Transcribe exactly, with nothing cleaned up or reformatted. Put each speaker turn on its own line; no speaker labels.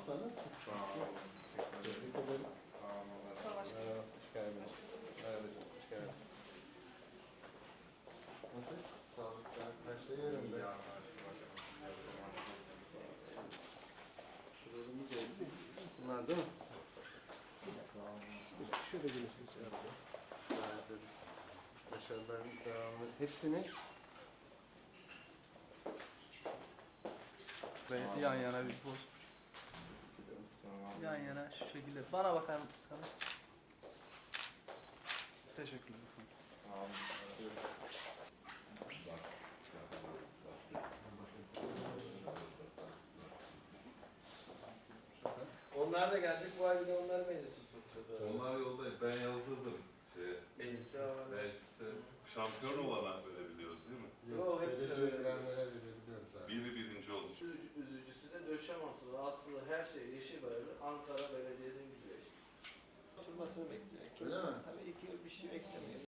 Hasan nasılsın?
Sağ olun.
Tebrik ederim.
Sağ olun.
Merhaba, hoş geldiniz. Merhaba canım, hoş geldiniz. Nasıl? Sağlık, sağlık, her şey yerinde.
İyi anlaşılacak.
Kurulumuz oldu mu? Bunlar değil mi?
Sağ olun.
Şöyle gelirsiniz arada. Gayet dedim. Başarıların devamı. Hepsini
Ve yan yana bir poz.
Sağ olun.
Yan yana şu şekilde. Bana bakar mısınız? Teşekkürler.
Sağ olun.
Onlar da gelecek, bu ay bir de onlar meclisi tuttu.
Onlar yoldayız. Ben yazdırdım. Şeye,
Meclisi var.
meclise şampiyon olarak verebiliyoruz değil mi?
Yok, hepsi de
derece
öyle.
verenlere verebiliyoruz abi.
Biri birinci oldu.
Üzücü, üzücüsü de Döşemontu'da aslında her şey yeşil bayırlı Ankara Belediye'den gidiyor işte.
Oturmasını bekliyor.
Öyle mi?
Tabii iki yıl bir şey beklemiyor.